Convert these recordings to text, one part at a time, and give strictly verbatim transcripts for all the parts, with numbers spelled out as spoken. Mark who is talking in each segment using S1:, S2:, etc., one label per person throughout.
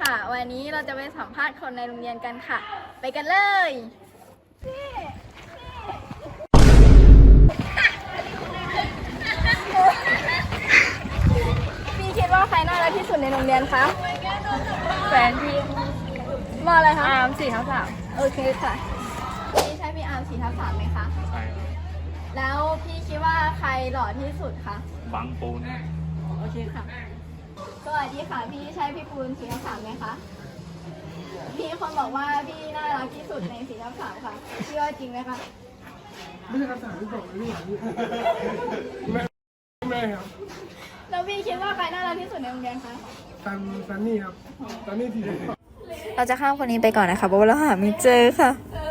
S1: ค่ะ วันนี้เราจะไปสัมภาษณ์คนในโรงเรียนกันค่ะ ไปกันเลยพี่คิดว่าใครน่ารักที่สุดในโรงเรียนคะแฟนพี่มออะไรคะอาร์มสี่ทับสามโอเคค่ะพี่ใช่พี่อาร์มสี่ทับสามไหมคะ
S2: ใช่ครับ
S1: แล้วพี่คิดว่าใครหล่อที่สุดคะ
S2: บังปูน
S1: โอเคค่ะสวัสดีค่ะพี่ใช่พี่ปูนสี่ทับสามไหมคะพี่คนบอกว่าพี่น่ารักที่สุดในสี่ทับสามค่ะพี่ว่าจริงไหมคะ
S3: ไม่ใช่คำถามที่บอกเลยนี่แม่แม่ครับ
S1: แล้วพี่คิดว่าใครน่ารักที่สุดในโรงเรียนคะ
S3: ซันซันนี่ครับซันนี่ทีเดียว
S4: เราจะข้ามคนนี้ไปก่อนนะคะเพราะว่าเราหาไม่เจอค่ะ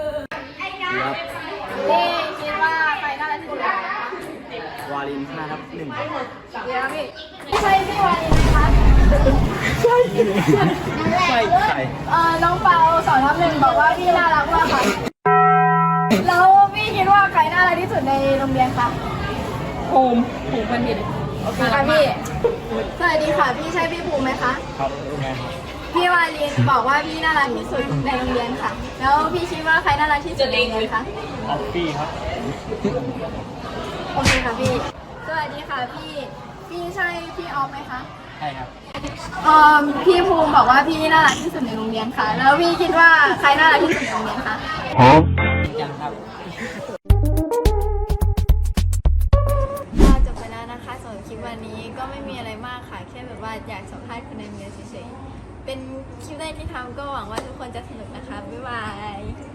S1: พี่คิดว่าใครน่ารักที่สุดคะ
S2: วาลินห้าทับหนึ่ง
S1: เดี๋ยวพี่ใช่พี่วาลินไหมคะใช่
S2: ใช่ใช่
S1: เออน้องเปาสองทับหนึ่งบอกว่าพี่น่ารักมากค่ะแล้วพี่คิดว่าใครน่ารักที่สุดในโรงเรียนคะ
S4: ภูมิภูมิบัณฑิต
S1: โอเคค่ะพี่สวัสดีค่ะพี่ใช่พี่ภูมิไหมคะ
S2: ครับ
S1: พี่วาลินบอกว่าพี่น่ารักที่สุดในโรงเรียนค่ะแล้วพี่คิดว่าใครน่ารักที่สุดในโรงเรียนคะ
S2: ออฟฟี่ครับ
S1: โอเคค่ะพี่สวัสดีค่ะพี่พี่ใช่พี่ออฟไหมคะ
S2: ใช่ครับ
S1: เอ่อพี่ภูมิบอกว่าพี่น่ารักที่สุดในโรงเรียนค่ะแล้วพี่คิดว่าใครน่ารักที่สุดในโรงเรียนคะ
S2: ยังครับ
S1: ก็จบไปแล้วนะคะสำหรับคลิปวันนี้ก็ไม่มีอะไรมากค่ะแค่แบบว่าอยากสัมภาษณ์คนในโรงเรียนเฉยๆเป็นคลิปแรกที่ทำก็หวังว่าทุกคนจะสนุกนะคะบ๊ายบาย